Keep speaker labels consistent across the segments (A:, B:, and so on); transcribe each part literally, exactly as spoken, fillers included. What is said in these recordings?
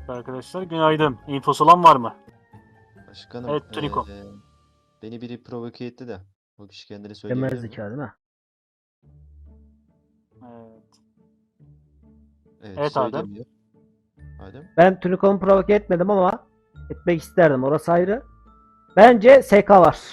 A: Arkadaşlar günaydın. İnfosu olan var mı?
B: Başkanım,
A: Evet, Tuniko.
B: eee, beni biri provoke etti de. O kişi kendini söyleyebilir
C: Kemer
B: mi?
C: zeka değil mi?
A: Evet.
B: Evet,
A: Evet, Adem.
B: söylemiyor. Adem.
C: Ben Tunikom'u provoke etmedim ama etmek isterdim. Orası ayrı. Bence S K var.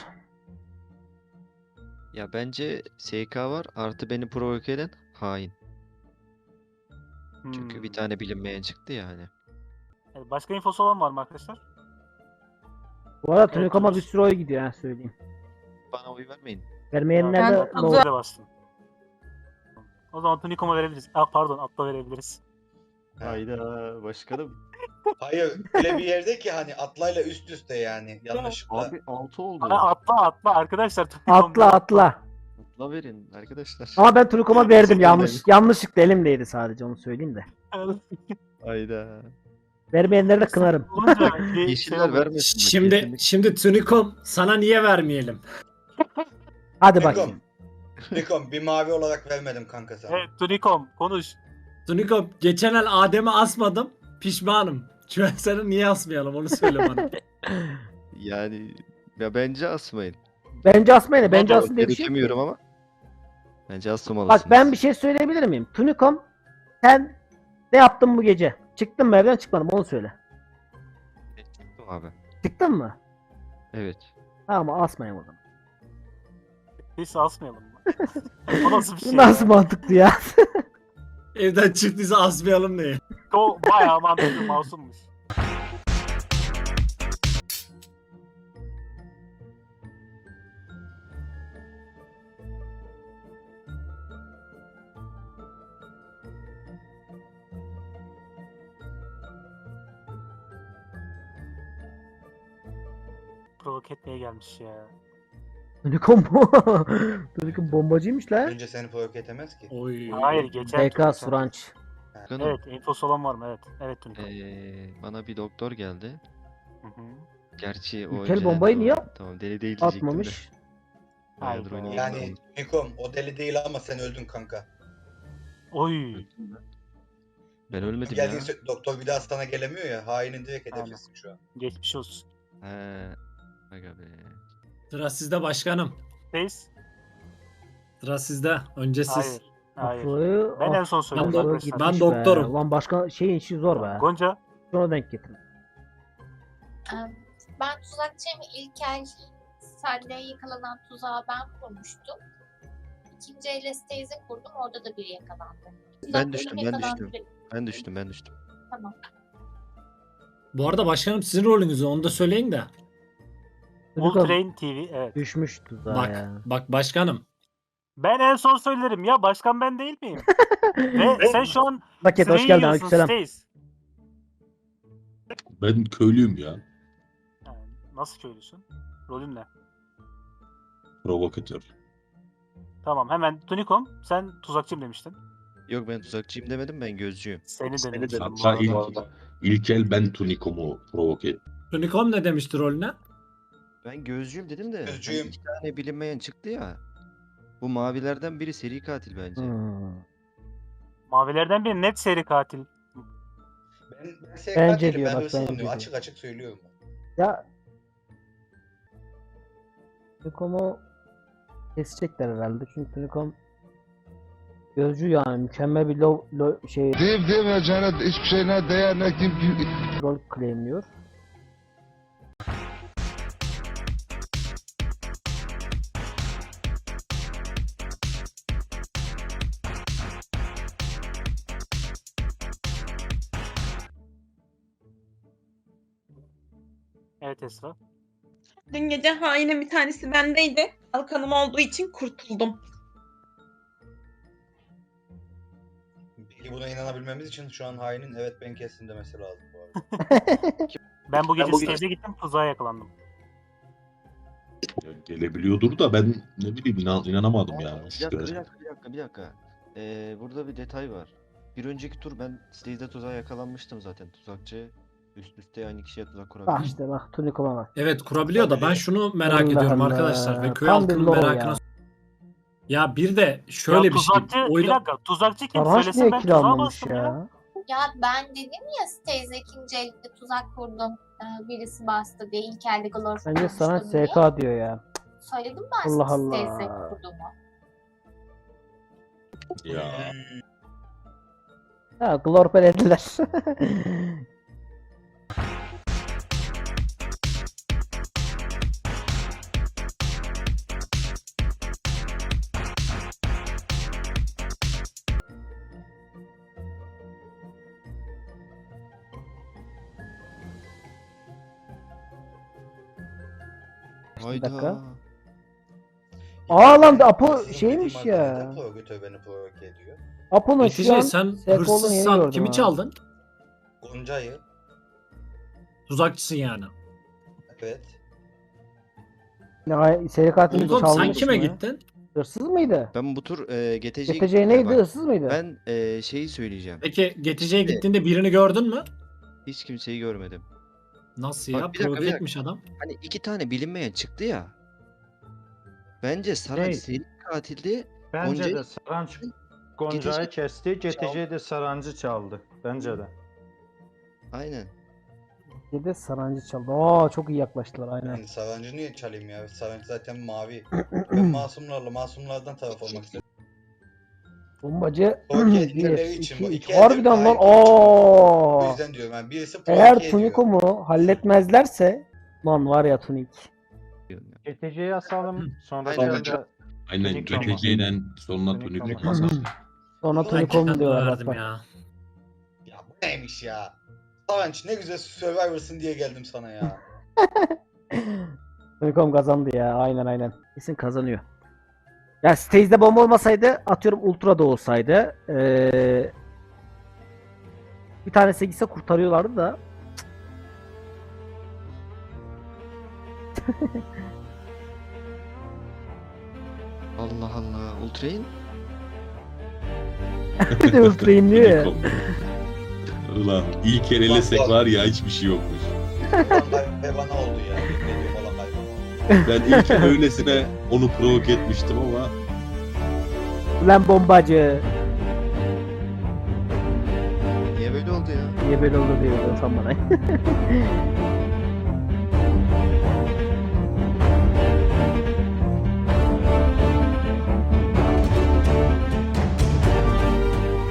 B: Ya bence S K var, artı beni provoke eden hain. Çünkü bir
A: Hmm.
B: tane bilinmeyen çıktı ya hani.
A: Evet, başka infosu olan var mı arkadaşlar?
C: Bu arada
A: Evet,
C: Tunikom'a bir
A: Tunus.
C: sürü oy gidiyor ha söyleyeyim.
B: Bana oy vermeyin.
C: Vermeyenler
A: Ben
C: de
A: de
C: ne olur?
A: de bastım. O zaman Tunikom'a verebiliriz. Ah pardon, Atla verebiliriz.
B: Hayda başkanım.
D: Hayır öyle bir yerde ki hani atlayla üst üste yani yanlışlıkla.
B: Abi altı oldu.
A: Bana atla atla arkadaşlar. Tunikom
C: Atla
A: değil,
C: atla.
B: Atla verin arkadaşlar.
C: Ama ben Tunikom'a verdim
B: Teşekkür
C: yanlış.
B: ederim.
C: Yanlışlıkla elimdeydi sadece onu söyleyeyim de.
B: Hayda.
C: Vermeyenleri de kınarım.
A: Olunca bir şey
B: Yeşiller
A: oluyor.
B: vermesin. bak,
E: Şimdi
B: kesinlikle.
E: şimdi Tunikom sana niye vermeyelim?
C: Hadi bakayım.
D: Nikom. Nikom bir mavi olarak vermedim kanka sana.
A: Evet, Tunikom konuş.
E: Tunikom geçen el Adem'i asmadım. Pişmanım. Şu an seni niye asmayalım onu söyle bana.
B: Yani ya bence asmayın.
C: Bence asmayın da bence
B: Ben
C: asın diye bir şey yok.
B: gerekemiyorum ama. Bence asmamalısınız.
C: Bak ben bir şey söyleyebilir miyim? Tunikom sen ne yaptın bu gece? Çıktın mı evden çıkmadın mı onu söyle.
B: Çıktım abi.
C: Çıktın mı?
B: Evet.
C: Tamam asmayın o zaman.
A: Biz asmayalım mı? O nasıl bir şey?
C: Bu nasıl
A: ya?
C: mantıklı ya?
E: Evden çıktıysa asmayalım diye.
A: O bayağı mantıklı, masummuş. Provoke etmeye gelmiş ya.
C: Tunikom bu. Tunikom bombacıymış lan.
D: Önce seni provoke etemez ki.
E: Oy.
A: Hayır, geçen
C: D
A: tur,
C: K
A: geçen.
C: Suranç.
B: Başkanım,
A: Evet, infosu olan var mı? Evet. Evet Tunikom.
B: eee, bana bir doktor geldi.
A: Hı hı.
B: Gerçi o
C: Ülkel
B: önce
C: bombayı
B: tamam,
C: niye
B: Tamam deli değil diyecektim de.
C: Atmamış.
B: Bayağıdır
A: Hayda.
B: oynayamadım.
D: Yani Nikom o deli değil ama sen öldün kanka.
A: Oy.
B: Ben ölmedim ya.
D: Geldiğin sö- doktor bir daha sana gelemiyor ya. Hainin direkt
A: Aynen.
D: hedeflisin şu an.
A: Geçmiş olsun.
B: He. Aga be.
E: Sıra sizde başkanım.
A: Reis?
E: Sıra sizde. Önce siz.
A: Hayır. Hayır.
C: Afro'yu
A: Ben en son
C: Afro
A: söyledim
E: Ben do-
A: arkadaşlar.
E: ben
C: gitmiş
E: doktorum.
C: be. Ulan başka şeyin işi zor be.
A: Gonca.
C: Şuna denk getirin.
F: Ben tuzakçıyım. İlk el Salle'ye yakalanan tuzağı ben kurmuştum. İkinci el Estaze'e kurdum. Orada da biri yakalandı.
B: Ben düştüm, ben
F: Yakalandı
B: düştüm.
F: biri.
B: Ben düştüm ben düştüm.
F: Tamam.
E: Bu arada başkanım sizin rolünüzü onu da söyleyin de.
A: All
C: Tunikom
A: Train T V. Evet.
C: düşmüş tuzağa
E: Bak
C: ya.
E: bak başkanım.
A: Ben en son söylerim ya. Başkan ben değil miyim? Ve sen şu an
C: Paket hoş
A: sırayı
C: geldin.
A: yiyorsun,
C: Aleykümselam.
A: Stace.
G: Ben köylüyüm ya.
A: Yani nasıl köylüsün? Rolün ne?
G: Provokatör.
A: Tamam, hemen Tunikom. Sen tuzakçıyım demiştin.
B: Yok ben tuzakçıyım demedim, ben gözcüyüm.
A: Seni de
B: Seni
A: demiştim.
B: dedim.
A: bu
G: Hatta
A: arada.
G: ilk, ilk el ben Tunikom'u provoke ettim.
E: Tunikom ne demişti rolüne?
B: Ben gözcüyüm dedim de. hani
D: Gözcüyüm.
B: iki tane bilinmeyen çıktı ya. Bu mavilerden biri seri katil bence.
C: Hmm.
A: Mavilerden biri net seri katil.
D: Ben, ben S K
C: Bence
D: değilim.
C: diyor,
D: Ben
C: bak,
D: hırsızım
C: bence
D: diyor.
C: diyor.
D: Açık açık söylüyorum.
C: Ya Tunikom'u kesecekler herhalde. Çünkü Tunikom gözcü yani mükemmel bir lo, lo, şey
H: Deyip demeyeceğine hiçbir şeyine değer ne kim kim
C: rol claimliyor.
A: Evet Esra.
I: Dün gece hainin bir tanesi bendeydi. Kalkanım olduğu için kurtuldum.
D: Peki buna inanabilmemiz için şu an hainin evet ben kestim demesi lazım bu arada.
A: Ben bu gece
B: bu gece-
A: stage'e gittim, tuzağa yakalandım.
G: Ya gelebiliyordur da ben ne bileyim inan, inanamadım
B: Aa,
G: yani.
B: bir dakika, bir dakika, bir dakika, bir dakika. Ee, burada bir detay var. Bir önceki tur ben stage'de tuzağa yakalanmıştım zaten. Tuzakçı üst üste aynı kişiye tuzak
C: Bak
B: kurabilir.
C: işte bak Tunikom'a bak.
E: Evet kurabiliyor da ben şunu merak
C: Allah
E: ediyorum
C: Allah.
E: arkadaşlar ve köy
C: Tam bir
E: halkının
C: lore
E: merakına.
C: ya.
E: Ya bir de şöyle
A: ya
E: bir şey.
A: tuzakçı, bir
E: Oyla...
A: dakika, tuzakçı kim?
C: Sarhoş
A: Söylesin
C: niye
A: ben
C: kill
A: tuzağa
C: almamış
A: bastım ya.
C: ya?
F: Ya ben dedim ya Stays'e ikinci elde tuzak kurdum. Ee, birisi bastı diye ilk elde glorf
C: Bence sana
F: kurmuştum diye.
C: S K diyor ya.
F: Söyledim ben
C: Allah
F: Stays'e
C: Allah.
F: kurduğumu.
G: Ya.
D: Hmm.
C: Ha, glorpe dediler.
B: Hayda.
C: dakika. Aa lan da Apo
D: Sizin
C: şeymiş
D: dediğim
C: ya.
D: arkadaşlar provokatör beni provoke ediyor.
C: Apo'nun şu
E: Netice
C: an
E: sen
C: S K olduğunu yeni
E: hırsızsan
C: gördüm
E: kimi
C: ha.
E: çaldın?
D: Gonca'yı.
E: Tuzakçısın yani.
D: Evet.
C: Ya, seri katilini
E: Unicorn
C: çalmış
E: sen kime
C: mı?
E: gittin?
C: Hırsız mıydı?
B: Ben bu tur e, G T C'ye
C: G T C
B: gittim
C: neydi?
B: bak.
C: Hırsız mıydı?
B: Ben e, şeyi söyleyeceğim.
E: Peki G T C'ye gittiğinde birini gördün mü?
B: Hiç kimseyi görmedim.
E: Nasıl
B: Bak,
E: ya?
B: bir dakika, bir
E: Provoke
B: dakika.
E: etmiş adam.
B: Hani iki tane bilinmeyen çıktı ya. Bence Saray
J: Hey.
B: seri katildi.
J: Bence
B: Gonca-
J: de Saranç Gonca'yı
B: G T C
J: kesti. G T C de Sarancı çaldı. Bence de.
B: Aynen.
C: Bir de Sarancı çaldı. Aa çok iyi yaklaştılar aynen.
D: Yani Sarancı niye çalayım ya? Sarancı zaten mavi. Ben masumlarla masumlardan taraf olmak istedim.
C: Bombacı
D: Provoke
C: bir,
D: ettikleri için
C: iki,
D: bu.
C: üç.
D: İki elde
C: Harbiden lan.
D: aynı tur çıktı. O
C: Aa.
D: yüzden diyorum yani birisi provoke
C: Eğer
D: ediyor.
C: Tuniko'mu halletmezlerse lan var ya Tunik.
J: G T C'yi asalım. Sonra
B: Aynen.
J: da
G: Aynen
J: Tunik ama.
G: G T C'den sonra
J: Tunik
G: Tunikom
J: ama.
G: masası.
C: Sonra
D: Ben
C: Tuniko'mu
E: Ben
C: diyorlar bak
E: verdim
C: bak.
E: ya.
D: Ya bu neymiş ya? Saranç ne güzel Survivor'sın diye geldim sana ya.
C: Unicorn kazandı ya. Aynen aynen. Kesin kazanıyor. Ya stage'de bomba olmasaydı atıyorum Ultra da olsaydı ee, bir tanesi gitse kurtarıyorlardı da.
B: Allah Allah. Ultrain?
C: Bir de Ultra'yı diyor ya.
G: Tunikom. Ulan ilk el elesek var ya hiçbir şey yokmuş.
D: Ve bana oldu ya. Dediğim olan kaybı.
G: Ben ilk el öylesine onu provoke etmiştim ama
C: Ulan bombacı.
B: Niye böyle oldu ya?
C: Niye böyle oldu diyor sen bana.